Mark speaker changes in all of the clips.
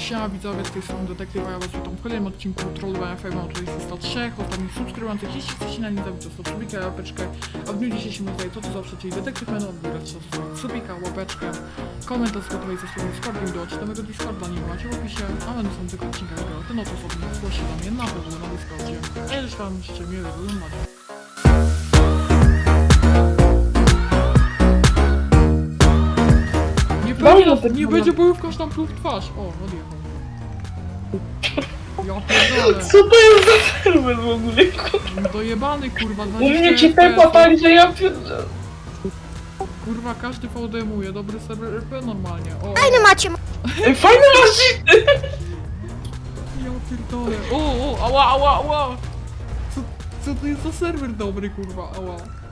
Speaker 1: Siema widzowie, z tej strony Detektywa, ja was witam w kolejnym odcinku Trollu FM, tutaj jest 103 ostatnich subskrybujących. Jeśli chcecie na nim zabić, to subika, łapeczkę, a w dniu dzisiejszym tutaj to co zawsze, czyli Detektyw Menu, odbierać subika, łapeczkę, komentarz z gotowej ze swoim Discordem, dołączyć do mojego Discorda, nie macie w opisie, a będą są tylko odcinka, ten oto sobie zgłosi do mnie na pewno na Discordzie. A ja już wam życzę miłego oglądania. Nie będzie bojówka, aż tam pluł w twarz. O, odjechał. Ja pierdolę.
Speaker 2: Co to jest za serwer w ogóle?
Speaker 1: Dojebany kurwa,
Speaker 2: U mnie ci tempo tak, że ja pierdolę.
Speaker 1: Kurwa, każdy VDM-uje, dobry serwer RP normalnie. O,
Speaker 3: Fajny macie.
Speaker 2: Ej, fajne maszyny!
Speaker 1: ja pierdolę. O, ała. Co to jest za serwer dobry kurwa, ała.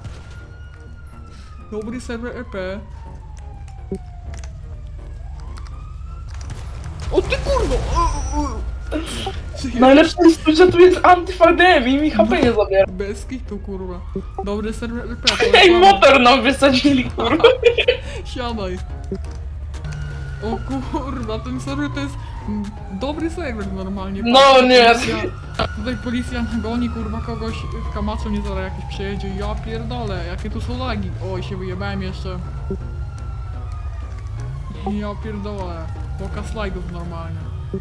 Speaker 1: Dobry serwer RP. O ty kurwa!
Speaker 2: Najlepsze jest to, że tu jest anty-VDM i mi HP nie zabiera.
Speaker 1: Bez kitu kurwa. Dobry serwer RP.
Speaker 2: Ej, motor nam wysadzili, kurwa.
Speaker 1: Siadaj. O kurwa, ten serwer to jest dobry serwer normalnie.
Speaker 2: No nie.
Speaker 1: Tutaj policja goni kurwa kogoś w Kamaczu, nie zaraz jakiś przejedzie. Ja pierdolę, jakie tu są lagi. Oj, się wyjebałem jeszcze. Ja pierdolę. Pokaz slajdów normalnie.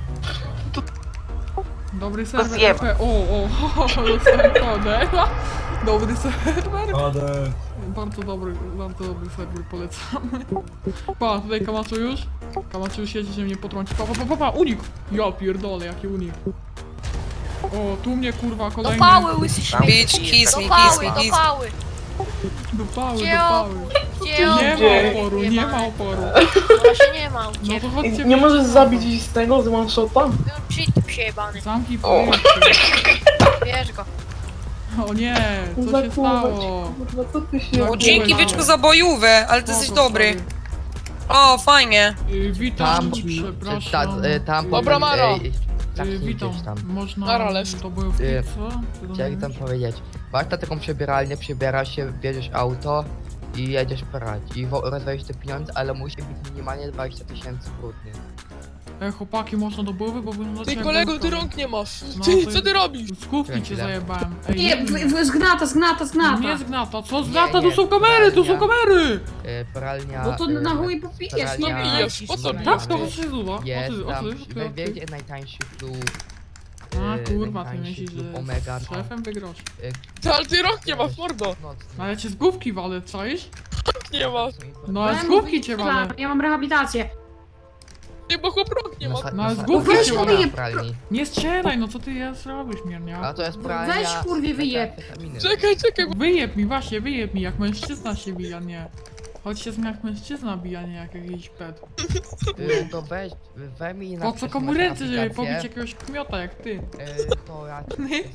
Speaker 1: Dobry serwer RP. O, dostałem kodę. Dobry serwer.
Speaker 4: Kodę.
Speaker 1: Bardzo dobry serwer, polecamy. Pa, tutaj Kamaczu już? Kamaczu już jedzie, że mnie potrąci. Pa, unik! Ja pierdolę, jaki unik. O, tu mnie kurwa
Speaker 3: Do
Speaker 1: kolejny...
Speaker 3: pały, łysy śmiech.
Speaker 5: Bitch, kiss
Speaker 3: Do
Speaker 5: me,
Speaker 3: pały,
Speaker 5: kiss me,
Speaker 3: do
Speaker 5: kiss
Speaker 3: pały.
Speaker 1: Do pały.
Speaker 3: Gdzie on?
Speaker 1: Nie ma oporu.
Speaker 3: Właśnie nie ma u
Speaker 1: No to
Speaker 3: ciebie.
Speaker 1: chodźcie...
Speaker 2: Nie możesz zabić z tego, z one shota?
Speaker 3: Cheat przejebany.
Speaker 1: Zamknij
Speaker 2: O.
Speaker 1: powietrze.
Speaker 3: Bierz go.
Speaker 1: O nie, co się stało?
Speaker 2: Kurwa, co ty się...
Speaker 1: No,
Speaker 5: O, dzięki byczku za bojówę, ale ty jesteś
Speaker 1: Spoko,
Speaker 5: dobry.
Speaker 1: sorry.
Speaker 5: O, fajnie.
Speaker 1: Witam, przepraszam.
Speaker 6: Tam
Speaker 2: Dobra, Maro.
Speaker 1: Witam, można...
Speaker 2: Nara, leż.
Speaker 1: To były co?
Speaker 6: Chciałem tam powiedzieć. Masz na taką przebieralnię, przebierasz się, bierzesz auto i jedziesz porać. I rozwalisz te pieniądze, ale musi być minimalnie 20 000 brudnych.
Speaker 1: Chłopaki, można do buły, bo wyglądacie
Speaker 7: Ty
Speaker 1: jak
Speaker 7: kolego,
Speaker 1: wojskowi.
Speaker 7: ty rąk nie masz.
Speaker 1: No,
Speaker 7: Ty,
Speaker 1: to-
Speaker 7: co ty robisz?
Speaker 1: Z główki cię zajebałem. Ej,
Speaker 8: Nie, zgnata.
Speaker 1: Nie zgnata, co
Speaker 6: Nie,
Speaker 1: zgnata? Tu
Speaker 6: nie,
Speaker 1: są kamery, tu są
Speaker 6: pralnia.
Speaker 1: kamery!
Speaker 6: Pralnia...
Speaker 8: No to na chuj popijesz, no
Speaker 6: pralnia-
Speaker 7: pijesz, po co pijesz?
Speaker 1: Tak, to się zuwa.
Speaker 6: Jest tam,
Speaker 1: Ty.
Speaker 6: będzie najtańszy klub.
Speaker 1: A kurwa, ty
Speaker 6: najtańszy
Speaker 1: myślisz,
Speaker 6: klub
Speaker 1: że
Speaker 6: Omega,
Speaker 1: z szefem wygrasz.
Speaker 7: Ty, ale ty rąk nie masz, mordo.
Speaker 6: Nocny.
Speaker 1: No ale cię z główki walę, czaisz?
Speaker 7: Nie masz.
Speaker 1: No ale z główki cię walę.
Speaker 8: Ja mam rehabilitację.
Speaker 7: Ty, bo chłop rąk nie ma.
Speaker 1: No ale z
Speaker 6: na-
Speaker 1: główki
Speaker 8: weź
Speaker 1: cię
Speaker 8: mu
Speaker 1: walę.
Speaker 8: wyjeb-
Speaker 6: pralni.
Speaker 1: Nie strzelaj, no co ty robisz, miernia?
Speaker 6: A to jest pralnia...
Speaker 8: Weź, kurwie, wyjeb.
Speaker 6: metamfetaminy.
Speaker 7: Czekaj, bo...
Speaker 1: Wyjeb mi, właśnie, wyjeb mi, jak mężczyzna się bija, nie. Chodź się z mnie jak mężczyzna bija, nie jak jakiś pet.
Speaker 6: To weź mi na...
Speaker 1: Po co komu ręce, żeby pobić jakiegoś kmiota jak ty?
Speaker 6: To ja...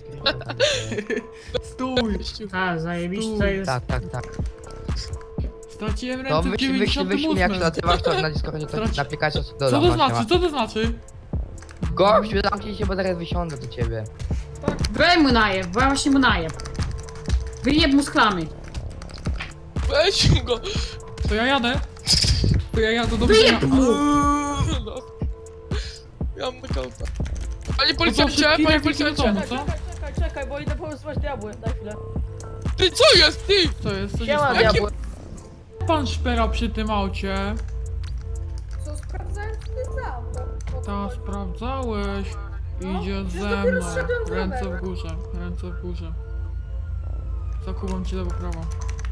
Speaker 1: Stój!
Speaker 8: A, zajebiste jest.
Speaker 6: Tak.
Speaker 1: Straciłem
Speaker 6: To
Speaker 1: ręce w
Speaker 6: wyślij jak się
Speaker 1: 98.
Speaker 6: nazywasz to na Discordzie, to
Speaker 1: Straci-
Speaker 6: na Pikachu
Speaker 1: Co
Speaker 6: dodam.
Speaker 1: to znaczy? Co to znaczy?
Speaker 6: Gościu, zamknij się, bo zaraz wysiądę do ciebie.
Speaker 8: Weź mu najeb, właśnie mu najeb. Wyjeb mu z klamy.
Speaker 7: Weź go.
Speaker 1: To ja jadę. To ja jadę do
Speaker 8: Wyjeb
Speaker 1: widzenia.
Speaker 8: mu!
Speaker 7: No. Ja mam nakauta. Panie
Speaker 1: To
Speaker 7: policjancie,
Speaker 1: szybki
Speaker 7: panie
Speaker 1: refleks do
Speaker 7: policjancie.
Speaker 1: domu, co?
Speaker 9: Czekaj, bo idę połysować diabły, daj chwilę.
Speaker 7: Ty, co jest, ty?
Speaker 1: Co jest? Co się
Speaker 9: Siema,
Speaker 1: stało?
Speaker 9: diabły.
Speaker 1: Pan szpera przy tym aucie.
Speaker 9: Co, sprawdzałem, co to jest za auto?
Speaker 1: Ta, sprawdzałeś. Idzie
Speaker 9: przecież
Speaker 1: ze
Speaker 9: dopiero
Speaker 1: mną.
Speaker 9: zszedłem z
Speaker 1: Ręce w
Speaker 9: roweru.
Speaker 1: górze, ręce w górze. Zakuwam ci lewo prawo.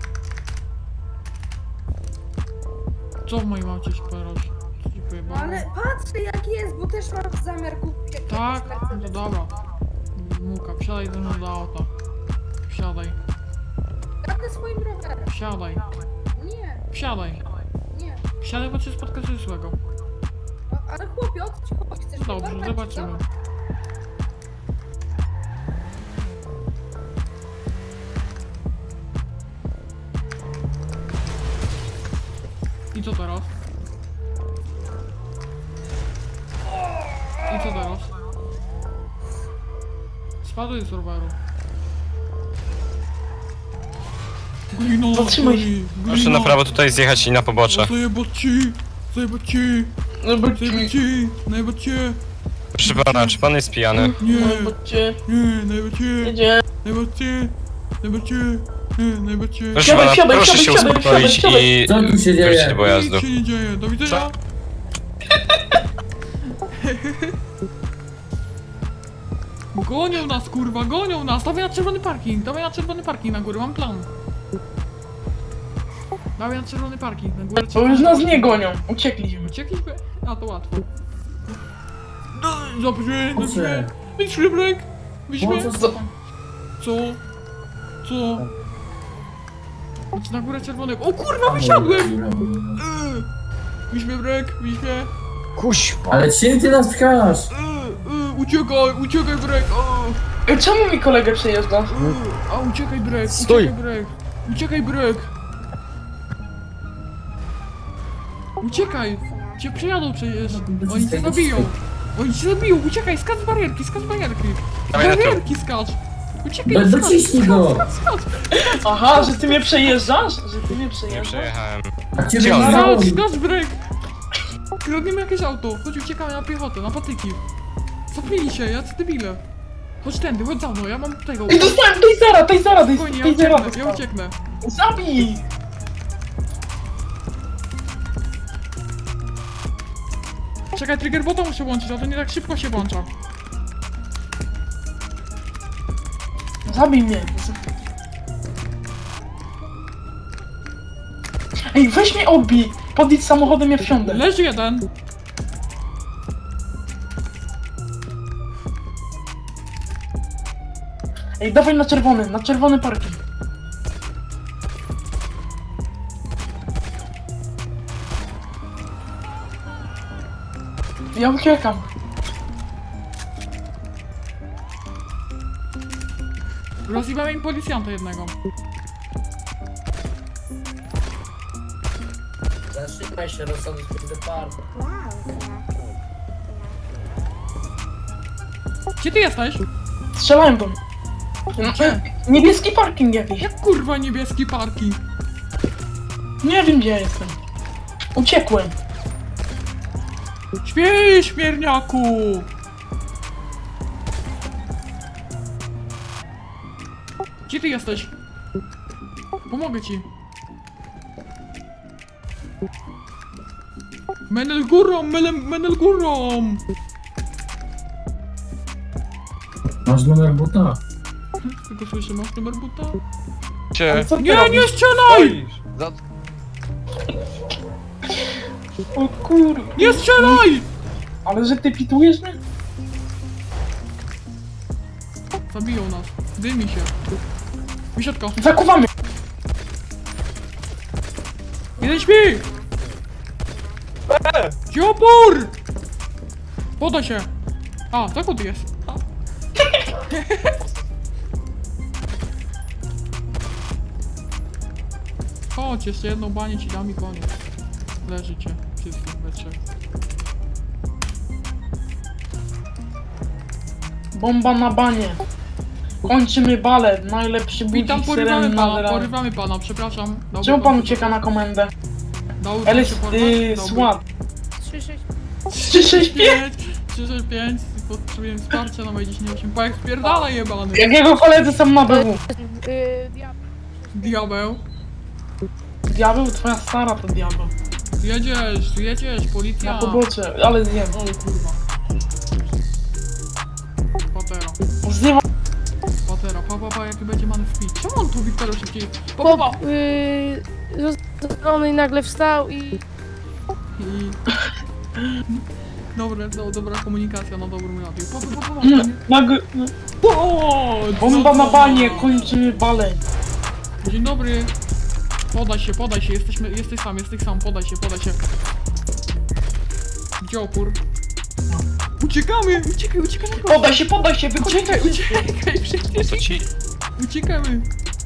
Speaker 1: Co w moim aucie szperasz? Co ci
Speaker 9: No
Speaker 1: pojebało?
Speaker 9: ale patrzę jak jest, bo też mam zamiar kupić jakiś
Speaker 1: Tak? No to
Speaker 9: Mercedes.
Speaker 1: dobra. Muka, wsiadaj ze mną do auta. Wsiadaj,
Speaker 9: Jadę swoim rowerem.
Speaker 1: wsiadaj,
Speaker 9: Nie,
Speaker 1: wsiadaj.
Speaker 9: nie.
Speaker 1: Wsiadaj, bo cię spotka coś złego.
Speaker 9: No, ale chłopie, o co ci chodzi? Chcesz mnie
Speaker 1: Dobrze,
Speaker 9: dorwać,
Speaker 1: zobaczymy.
Speaker 9: co?
Speaker 1: I co teraz? I co teraz? Spadłeś z roweru. Glino,
Speaker 2: Zatrzymaj się.
Speaker 1: glino.
Speaker 10: Proszę na prawo tutaj zjechać i na pobocze.
Speaker 1: Zajebać ci! Zajebać ci!
Speaker 2: No bo
Speaker 1: Najbać cię.
Speaker 4: Proszę pana, czy pan jest pijany?
Speaker 1: Nie,
Speaker 2: No bo cię.
Speaker 1: najbać cię.
Speaker 2: Jedzie.
Speaker 1: Najbać cię. Najbać cię. Najbać cię.
Speaker 4: Proszę
Speaker 2: Siadaj,
Speaker 4: pana,
Speaker 2: siadaj,
Speaker 4: proszę
Speaker 2: siadaj,
Speaker 4: się
Speaker 2: siadaj,
Speaker 4: uspokoić
Speaker 2: siadaj,
Speaker 4: i
Speaker 10: Co tu się dzieje?
Speaker 4: wrócić do pojazdu.
Speaker 1: Nic się nie dzieje. Do widzenia. Gonią nas, kurwa, gonią nas! Dawaj na czerwony parking na górę, mam plan. Dawaj na czerwony parking na górę.
Speaker 2: Bo już nas nie gonią. Uciekliśmy.
Speaker 1: Uciekliśmy? A, to łatwo. Dobrze, dobrze. Wyjdźmy, Brek! Wyjdźmy. Co? Co? Idź na górę czerwonego. O kurwa, wysiadłem! Wyjdźmy, Brek, wyjdźmy.
Speaker 10: Ale czym ty nas pchasz?
Speaker 1: Uciekaj, Brek!
Speaker 2: Ej, czemu mi kolegę przejeżdżasz?
Speaker 1: A, uciekaj, Brek! Uciekaj, Brek! Uciekaj! Cię przejadą przecież! Oni cię zabiją! Uciekaj, skacz z barierki! Z
Speaker 4: Dawaj na to.
Speaker 1: barierki skacz! Uciekaj,
Speaker 10: No dociśnij go!
Speaker 1: skacz!
Speaker 2: Aha, że ty mnie przejeżdżasz?
Speaker 4: Nie przejechałem.
Speaker 10: A ciebie
Speaker 4: Gdzie on?
Speaker 10: nie ma.
Speaker 1: Skacz, Brek! Kradniemy jakieś auto! Chodź, uciekamy na piechotę, na patyki! Cofnij się, jacy debile! Chodź tędy, chodź za mną, ja mam tego!
Speaker 2: I dostałem Tasera,
Speaker 1: Spokojnie, ja ucieknę!
Speaker 2: Zabij!
Speaker 1: Czekaj, trigger bota muszę włączyć, a to nie tak szybko się włącza.
Speaker 2: Zabij mnie. Ej, weź mnie odbij. Podjedź samochodem, ja wsiądę.
Speaker 1: Leży jeden.
Speaker 2: Ej, dawaj na czerwony parking. Ja uciekam.
Speaker 1: Rozjebałem im policjanta jednego.
Speaker 10: Zatrzymaj się, rozsądek z parku.
Speaker 1: Gdzie ty jesteś?
Speaker 2: Strzelałem do mnie.
Speaker 1: Gdzie?
Speaker 2: Niebieski parking jakiś.
Speaker 1: Jak kurwa niebieski parking?
Speaker 2: Nie wiem gdzie ja jestem. Uciekłem.
Speaker 1: Śpiej, śmierniaku! Gdzie ty jesteś? Pomogę ci. Menel górą, menel górą!
Speaker 10: Masz numer buta?
Speaker 1: Tylko słyszę, masz numer buta?
Speaker 4: Cię.
Speaker 2: Co ty
Speaker 1: Nie,
Speaker 2: robisz?
Speaker 1: nie strzelaj!
Speaker 2: O kur...
Speaker 1: Nie strzelaj!
Speaker 2: Ale że ty pitujesz mnie?
Speaker 1: Zabiją nas. Dymi się. Wysiadka.
Speaker 2: Zakuwamy.
Speaker 1: Jeden śpi! Gdzie opór? Podaj się! A, zakład jest. A. Chodź, jeszcze jedną banię ci dam i koniec. Leżycie, wszyscy we trzech.
Speaker 2: Bomba na banie. Kończymy balet. Najlepszy
Speaker 1: Witam,
Speaker 2: budzik
Speaker 1: porywamy
Speaker 2: syreny
Speaker 1: pana,
Speaker 2: na
Speaker 1: porywamy pana, przepraszam. Dałby
Speaker 2: Czemu pan
Speaker 1: się
Speaker 2: ucieka na komendę?
Speaker 1: Dałby pan
Speaker 2: LS...
Speaker 1: się porwać? Dałby.
Speaker 2: SWAT.
Speaker 3: 3-6.
Speaker 2: 365.
Speaker 1: 365, potrzebuję wsparcia na moje 10.8. Pajek spierdala jebany.
Speaker 2: Jakiego koledzy są na BW?
Speaker 1: Diabeł.
Speaker 2: Diabeł? Twoja stara to diabeł.
Speaker 1: Jedziesz, policja.
Speaker 2: Na pobocze, ale zjem.
Speaker 1: O kurwa. Patera.
Speaker 2: Zdywa...
Speaker 1: Patera, pa, jaki będzie man w pit. Czemu on tu Wiktora szybciej? Pa.
Speaker 3: Zrobiony nagle wstał i...
Speaker 1: I... Dobra komunikacja na dobrym radiu. Pa.
Speaker 2: Bomba na banie, kończymy balet.
Speaker 1: Dzień dobry. Podaj się, jesteś sam, podaj się. Gdzie opór? Uciekamy!
Speaker 2: Podaj się, wychodźcie.
Speaker 1: Uciekaj, przecież
Speaker 4: Co ci?
Speaker 1: uciekamy!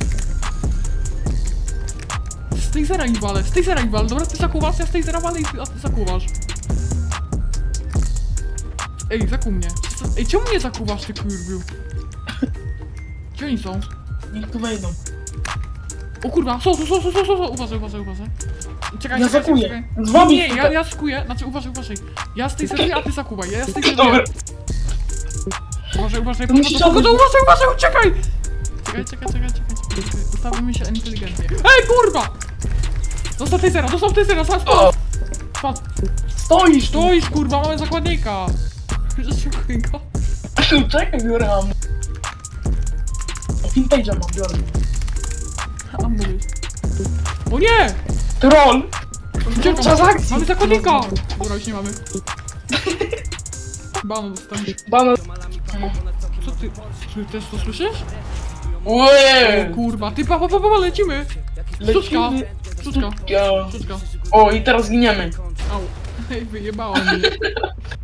Speaker 1: Z tej zera ich walę, dobra, ty zakuwasz, ja z tej zera walę, a ty zakuwasz. Ej, zakuł mnie. Ej, czemu mnie zakuwasz, ty kurwiu? Gdzie oni są?
Speaker 2: Niech tu wejdą.
Speaker 1: O kurwa, są, uważaj. Czekaj,
Speaker 2: Ja
Speaker 1: czekaj,
Speaker 2: zakuję.
Speaker 1: czekaj.
Speaker 2: Z wami
Speaker 1: Nie,
Speaker 2: tutaj.
Speaker 1: ja skuję, znaczy uważaj. Ja z tej serii, a ty zakuwaj, ja z tej serii.
Speaker 2: Dobra.
Speaker 1: Uważaj,
Speaker 2: To musisz
Speaker 1: pogoda,
Speaker 2: odbyć-
Speaker 1: uważaj, uciekaj! Czekaj. Ustawimy się inteligentnie. Ej, kurwa! Dostał tej zera, spadł.
Speaker 2: Stoisz tu!
Speaker 1: Stoisz, kurwa, mamy zakładnika! Zaszukuj go.
Speaker 2: Czekaj, biorę ammo. Vintage'a mam, biorę.
Speaker 1: A mówisz. O nie!
Speaker 2: Troll!
Speaker 1: Uciekam.
Speaker 2: Czas akcji!
Speaker 1: Mamy zakładnika! Dobra, już nie mamy. Bano dostaniesz.
Speaker 2: Bana...
Speaker 1: Co ty? Czy też to słyszysz?
Speaker 2: Łeee!
Speaker 1: O kurwa, ty pa, lecimy! Sztuczka! Sztuczka!
Speaker 2: Ja.
Speaker 1: Sztuczka!
Speaker 2: O, i teraz giniemy.
Speaker 1: Au. Ej, wyjebała mnie.